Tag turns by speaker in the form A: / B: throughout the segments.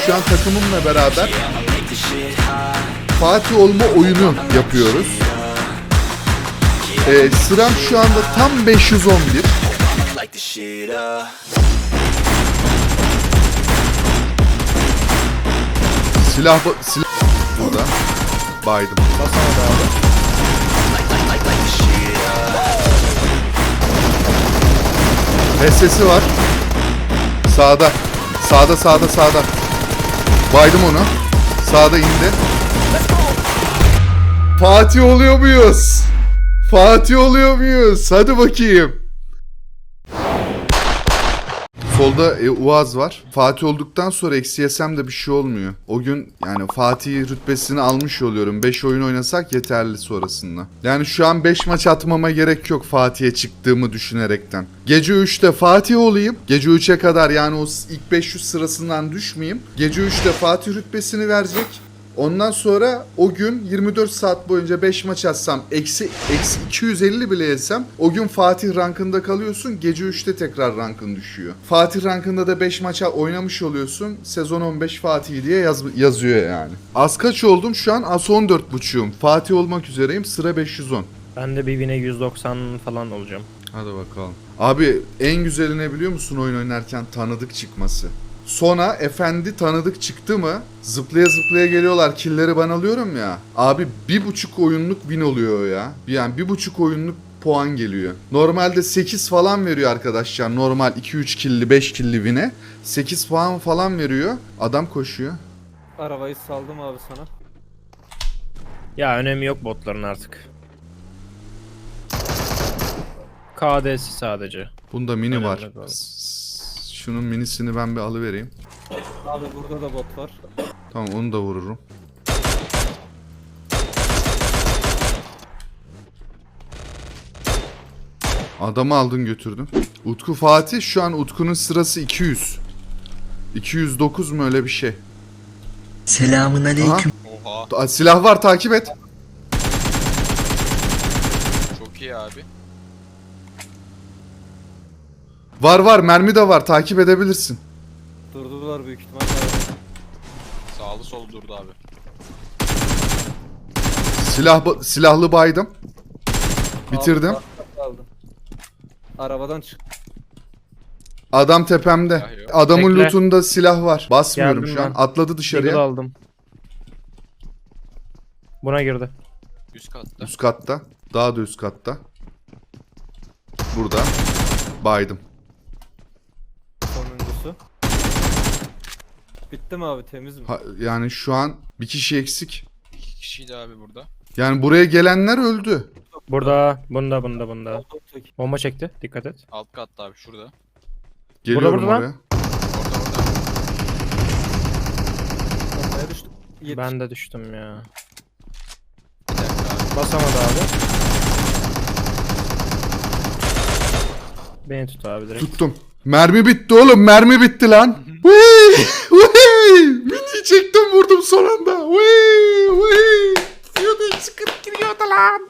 A: şu an takımımla beraber Fatih olma oyunu yapıyoruz. Sıram şu anda tam 511. Silah burada. Baydım. HS'si var. Sağda. Sağda. Baydım onu. Sağda indi. Fatih oluyor muyuz? Hadi bakayım. Solda Uaz var. Fatih olduktan sonra eksi yesem de bir şey olmuyor. O gün yani Fatih rütbesini almış oluyorum. 5 oyun oynasak yeterli sonrasında. Yani şu an 5 maç atmama gerek yok Fatih'e çıktığımı düşünerekten. Gece 3'te Fatih olayım. Gece 3'e kadar yani o ilk 500 sırasından düşmeyeyim. Gece 3'te Fatih rütbesini verecek. Ondan sonra o gün 24 saat boyunca 5 maç atsam eksi 250 bile yesem o gün Fatih rankında kalıyorsun. Gece 3'te tekrar rankın düşüyor. Fatih rankında da 5 maça oynamış oluyorsun. Sezon 15 Fatih diye yazıyor yani. Az kaç oldum? Şu an as 14.5'um. Fatih olmak üzereyim. Sıra 510.
B: Ben de bir bine 190 falan olacağım.
A: Hadi bakalım. Abi en güzeli ne biliyor musun oyun oynarken? Tanıdık çıkması. Sonra efendi tanıdık çıktı mı zıplaya zıplaya geliyorlar, killleri ben alıyorum ya. Abi 1,5 oyunluk win oluyor ya. Yani 1,5 oyunluk puan geliyor. Normalde 8 falan veriyor arkadaşlar. Normal 2-3 killi 5 killi win'e 8 puan falan veriyor. Adam koşuyor.
C: Arabayı saldım abi sana.
B: Ya önemi yok botların artık. KD'si sadece.
A: Bunda mini
B: Önemli
A: var.
B: değil.
A: Şunun minisini ben bir alıvereyim.
C: Abi burada da bot var.
A: Tamam onu da vururum. Adamı aldın götürdün. Utku Fatih şu an Utku'nun sırası 200. 209 mu öyle bir şey.
D: Selamun aleyküm.
E: Oha.
A: Silah var takip et.
E: Çok iyi abi.
A: Var mermi de var takip edebilirsin.
C: Durdular büyük ihtimal.
E: Sağlı solu durdu abi.
A: Silahlı baydım. Bitirdim.
C: Aldım. Arabadan çık.
A: Adam tepemde.
E: Silah yok.
A: Adamın
B: Bekle.
A: lootunda silah var. Basmıyorum
B: Geldim
A: şu an.
B: ben.
A: Atladı
B: Deagle
A: dışarıya.
B: aldım. Buna girdi.
E: Üst katta.
A: Üst katta. Daha da üst katta. Burada. Baydım.
C: Sonuncusu. Bitti mi abi, temiz mi?
A: Yani şu an bir kişi eksik.
E: 2 kişiydi abi burada.
A: Yani buraya gelenler öldü.
B: Bunda.
C: Aldım tek.
B: Bomba çekti. Dikkat et.
E: Alt katta abi şurada.
A: Geliyorum
B: Burada.
A: oraya.
E: Orada.
C: Bombaya düştüm.
B: Ben de düştüm ya.
E: Bir dakika abi.
B: Basamadı abi. Beni tut abi direkt.
A: Tuttum. Mermi bitti oğlum. Mermi bitti lan. Vıy. Mini çektim vurdum son anda. Vıy. Gidiyordu çıkıp giriyordu lan.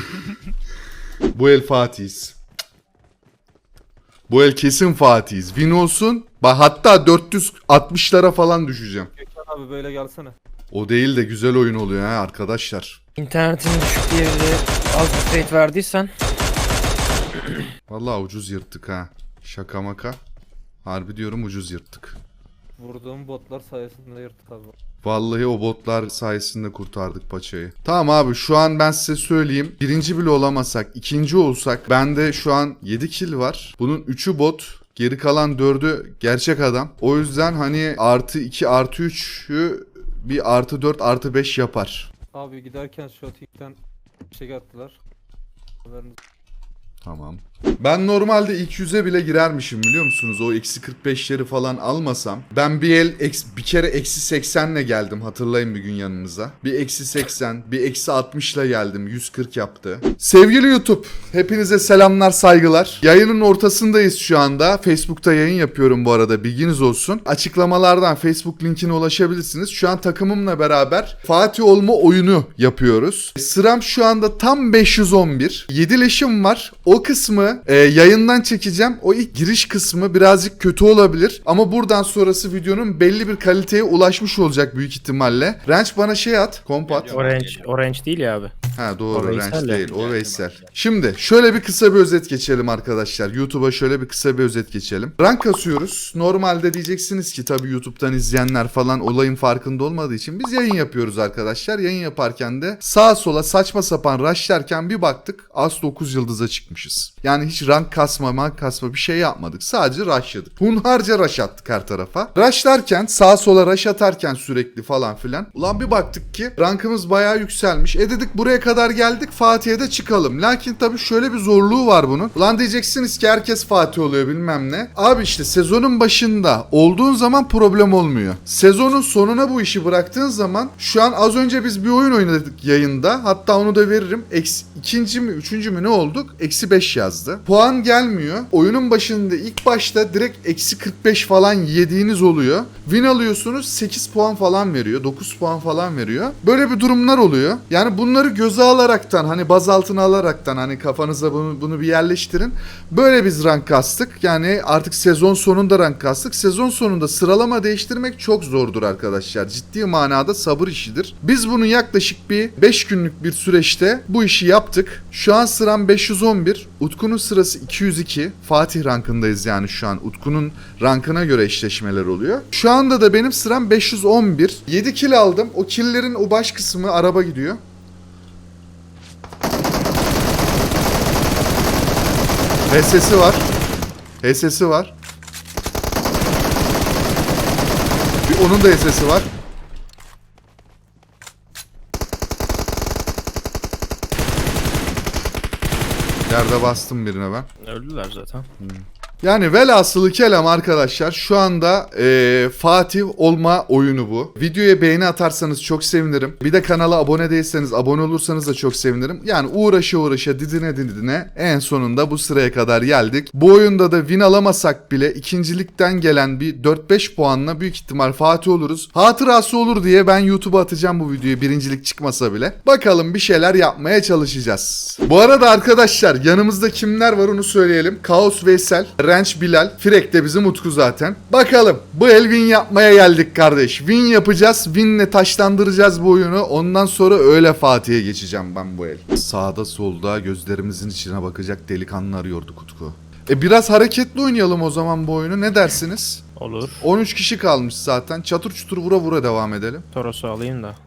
A: Bu el Fatih'iz. Bu el kesin Fatih'iz. Win olsun. Bak hatta 460'lara falan düşeceğim.
C: Gökhan abi böyle gelsene.
A: O değil de güzel oyun oluyor ha arkadaşlar.
B: İnternetin düşük diye bir de az bir rate verdiysen.
A: Vallahi ucuz yırttık ha. Şaka maka. Harbi diyorum ucuz yırttık.
C: Vurduğum botlar sayesinde yırttık abi.
A: Vallahi o botlar sayesinde kurtardık paçayı. Tamam abi şu an ben size söyleyeyim. Birinci bile olamasak, ikinci olsak bende şu an 7 kill var. Bunun 3'ü bot. Geri kalan 4'ü gerçek adam. O yüzden hani artı 2 artı 3'ü bir artı 4 artı 5 yapar.
C: Abi giderken Shotik'ten şey attılar. Haberiniz.
A: Tamam. Ben normalde ilk 100'e bile girermişim biliyor musunuz? O eksi 45'leri falan almasam. Ben bir kere eksi 80'le geldim hatırlayın bir gün yanınıza. Bir eksi 80, bir eksi 60'la geldim. 140 yaptı. Sevgili YouTube, hepinize selamlar saygılar. Yayının ortasındayız şu anda. Facebook'ta yayın yapıyorum bu arada bilginiz olsun. Açıklamalardan Facebook linkine ulaşabilirsiniz. Şu an takımımla beraber Fatih olma oyunu yapıyoruz. Sıram şu anda tam 511. 7 leşim var. O O kısmı yayından çekeceğim. O ilk giriş kısmı birazcık kötü olabilir. Ama buradan sonrası videonun belli bir kaliteye ulaşmış olacak büyük ihtimalle. Range bana şey at. Komp at.
B: Orange değil ya abi.
A: Ha doğru,
B: O Veysel
A: Range
B: ya.
A: değil. O Veysel. Şimdi şöyle bir kısa bir özet geçelim arkadaşlar. YouTube'a şöyle bir kısa bir özet geçelim. Rank kasıyoruz. Normalde diyeceksiniz ki tabii YouTube'dan izleyenler falan olayın farkında olmadığı için biz yayın yapıyoruz arkadaşlar. Yayın yaparken de sağa sola saçma sapan rushlarken bir baktık az 9 yıldıza çıkmışız. Yani hiç rank kasma bir şey yapmadık. Sadece rushladık. Hunharca rush attık her tarafa. Rushlarken sağa sola rush atarken sürekli falan filan. Ulan bir baktık ki rankımız bayağı yükselmiş. Dedik buraya kadar geldik, Fatih'e de çıkalım. Lakin tabii şöyle bir zorluğu var bunun. Ulan diyeceksiniz ki herkes Fatih oluyor bilmem ne. Abi işte sezonun başında olduğun zaman problem olmuyor. Sezonun sonuna bu işi bıraktığın zaman şu an az önce biz bir oyun oynadık yayında. Hatta onu da veririm. İkinci mi üçüncü mü ne olduk? -5 yazdı. Puan gelmiyor. Oyunun başında ilk başta direkt -45 falan yediğiniz oluyor. Win alıyorsunuz 8 puan falan veriyor. 9 puan falan veriyor. Böyle bir durumlar oluyor. Yani bunları göze alaraktan hani baz altına alaraktan hani kafanıza bunu bir yerleştirin. Böyle biz rank kastık. Yani artık sezon sonunda rank kastık. Sezon sonunda sıralama değiştirmek çok zordur arkadaşlar. Ciddi manada sabır işidir. Biz bunu yaklaşık bir 5 günlük bir süreçte bu işi yaptık. Şu an sıram 511. Utku'nun sırası 202. Fatih rankındayız yani şu an. Utku'nun rankına göre eşleşmeler oluyor. Şu anda da benim sıram 511. 7 kill aldım. O killlerin o baş kısmı araba gidiyor. HS'si var. HS'si var. Onun da HS'si var. Yerde bastım birine ben.
B: Öldüler zaten.
A: Yani velhasılı kelam arkadaşlar şu anda Fatih olma oyunu bu. Videoya beğeni atarsanız çok sevinirim. Bir de kanala abone değilseniz abone olursanız da çok sevinirim. Yani uğraşa didine en sonunda bu sıraya kadar geldik. Bu oyunda da win alamasak bile ikincilikten gelen bir 4-5 puanla büyük ihtimal Fatih oluruz. Hatırası olur diye ben YouTube'a atacağım bu videoyu birincilik çıkmasa bile. Bakalım bir şeyler yapmaya çalışacağız. Bu arada arkadaşlar yanımızda kimler var onu söyleyelim. Kaos Veysel, Ranch Bilal, Frek de bizim Utku zaten. Bakalım bu el win yapmaya geldik kardeş. Win yapacağız. Win'le taşlandıracağız bu oyunu. Ondan sonra öyle Fatih'e geçeceğim ben bu el. Sağda solda gözlerimizin içine bakacak delikanlı arıyorduk Utku. Biraz hareketli oynayalım o zaman bu oyunu. Ne dersiniz?
B: Olur.
A: 13 kişi kalmış zaten. Çatır çutur vura vura devam edelim.
B: Toros'u alayım da.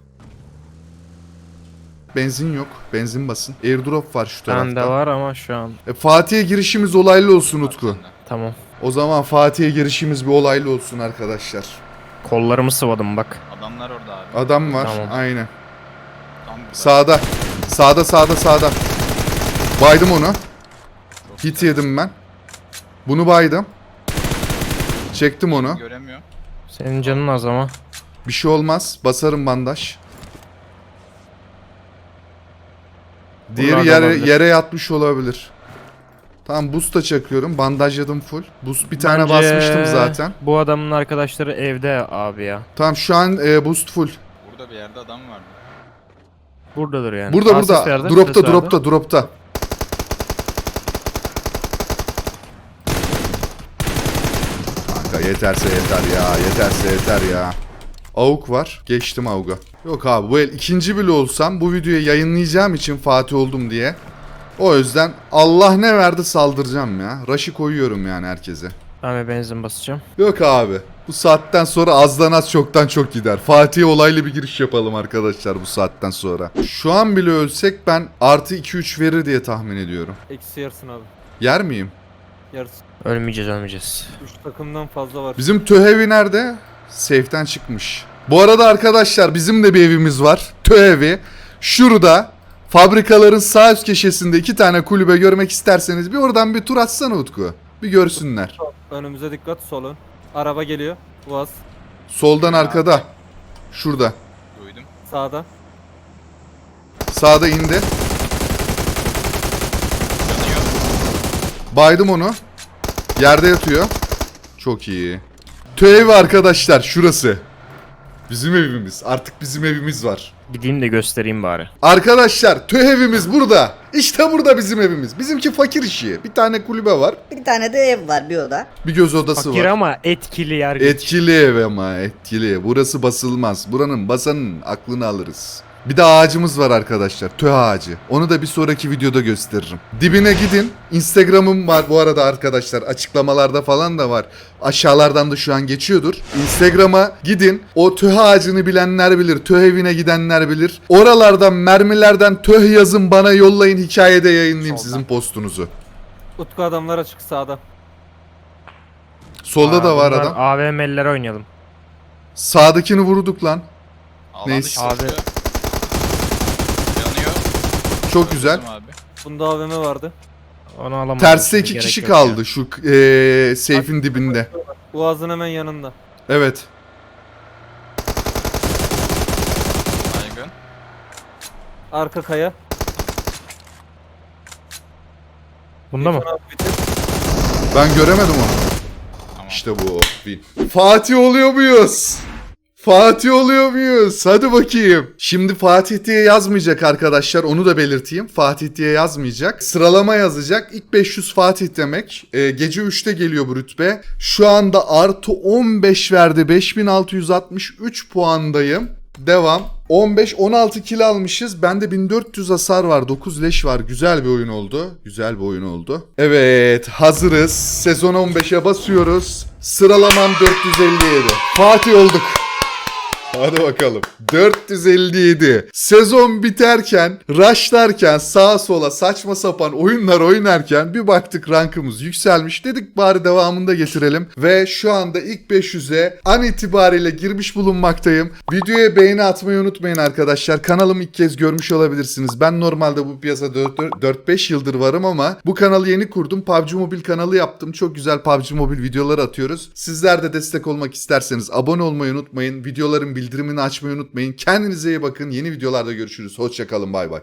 A: Benzin yok. Benzin basın. Airdrop var şu tarafta.
B: Bende var ama şu an.
A: Fatih'e girişimiz olaylı olsun Utku.
B: Tamam.
A: O zaman Fatih'e girişimiz bir olaylı olsun arkadaşlar.
B: Kollarımı sıvadım bak.
E: Adamlar orada abi.
A: Adam var.
B: Tamam.
A: Aynen.
E: Tam burada.
A: Sağda. Baydım onu. Hit yedim ben. Bunu baydım. Çektim onu.
E: Göremiyor.
B: Senin canın az ama.
A: Bir şey olmaz. Basarım bandaj. Diğeri
B: Bunlardan olabilir.
A: yere yatmış olabilir. Tamam boost da çakıyorum. Bandajladım full. Boost bir tane
B: Bence
A: basmıştım zaten.
B: Bu adamın arkadaşları evde abi ya.
A: Tamam şu an boost full.
E: Burada bir yerde adam vardı.
B: Buradadır yani.
A: Burada
B: Aa, ses verdi, ses verdi.
A: Dropta. Kanka yeterse yeter ya. Avuk var. Geçtim avuga. Yok abi bu el ikinci bile olsam bu videoyu yayınlayacağım için Fatih oldum diye. O yüzden Allah ne verdi saldıracağım ya. Rush'ı koyuyorum yani herkese.
B: Ben bir benzin basacağım.
A: Yok abi. Bu saatten sonra azdan az çoktan çok gider. Fatih'e olaylı bir giriş yapalım arkadaşlar bu saatten sonra. Şu an bile ölsek ben artı 2-3 verir diye tahmin ediyorum.
C: Eksi yarısın abi.
A: Yer miyim?
C: Yarısı.
B: Ölmeyeceğiz.
C: 3 takımdan fazla var.
A: Bizim Töhevi nerede? Safe'den çıkmış. Bu arada arkadaşlar bizim de bir evimiz var. Töhevi. Şurada fabrikaların sağ üst köşesinde 2 tane kulübe görmek isterseniz bir oradan bir tur atsana Utku. Bir görsünler.
C: Önümüze dikkat, solun. Araba geliyor. Uaz.
A: Soldan arkada. Şurada.
E: Duydum.
C: Sağda.
A: Sağda indi.
E: Yanıyor.
A: Baydım onu. Yerde yatıyor. Çok iyi. Töhevi arkadaşlar şurası. Bizim evimiz. Artık bizim evimiz var.
B: Gideyim de göstereyim bari.
A: Arkadaşlar TÖH evimiz burada. İşte burada bizim evimiz. Bizimki fakir işi. Bir tane kulübe var.
F: Bir tane de ev var, bir oda.
A: Bir göz odası
B: Fakir
A: var.
B: ama etkili yer.
A: Etkili ev ama etkili. Burası basılmaz. Buranın basanın aklını alırız. Bir de ağacımız var arkadaşlar. TÖH ağacı. Onu da bir sonraki videoda gösteririm. Dibine gidin. Instagram'ım var bu arada arkadaşlar. Açıklamalarda falan da var. Aşağılardan da şu an geçiyordur. Instagram'a gidin. O TÖH ağacını bilenler bilir. TÖH evine gidenler bilir. Oralardan mermilerden TÖH yazın bana yollayın. Hikayede yayınlayayım
E: Soldan.
A: sizin postunuzu.
C: Utku adamlar açık sağda.
A: Solda da var adam.
B: AVM'liler oynayalım.
A: Sağdakini vurduk lan.
E: Alan
A: Neyse.
E: dışı
B: Abi.
E: tutuyor. Yanıyor.
A: Çok güzel.
E: Bizim Abi.
C: Bunda AVM vardı.
B: Onu alamadım.
A: Terste
B: Şimdi
A: 2
B: gerek
A: kişi
B: yok
A: kaldı
B: ya.
A: şu seyfin dibinde.
C: Boğazın hemen yanında.
A: Evet.
E: Baygın.
C: Arka kaya.
B: Bunda mı?
C: Gökhan abi bitir.
A: Ben göremedim onu.
E: Tamam.
A: İşte bu. Win. Fatih oluyor muyuz? Fatih oluyor muyuz? Hadi bakayım. Şimdi Fatih diye yazmayacak arkadaşlar. Onu da belirteyim. Fatih diye yazmayacak. Sıralama yazacak. İlk 500 Fatih demek. Gece 3'te geliyor bu rütbe. Şu anda artı 15 verdi. 5663 puandayım. Devam. 15-16 kill almışız. Bende 1400 hasar var. 9 leş var. Güzel bir oyun oldu. Güzel bir oyun oldu. Evet. Hazırız. Sezon 15'e basıyoruz. Sıralamam 457. Fatih olduk. Hadi bakalım. 457. Sezon biterken, rushlarken, sağa sola saçma sapan oyunlar oynarken bir baktık rankımız yükselmiş. Dedik bari devamında getirelim. Ve şu anda ilk 500'e an itibariyle girmiş bulunmaktayım. Videoya beğeni atmayı unutmayın arkadaşlar. Kanalımı ilk kez görmüş olabilirsiniz. Ben normalde bu piyasada 4-5 yıldır varım ama bu kanalı yeni kurdum. PUBG Mobile kanalı yaptım. Çok güzel PUBG Mobile videoları atıyoruz. Sizler de destek olmak isterseniz abone olmayı unutmayın. Videoların bildirimini açmayı unutmayın. Kendinize iyi bakın. Yeni videolarda görüşürüz. Hoşça kalın. Bay bay.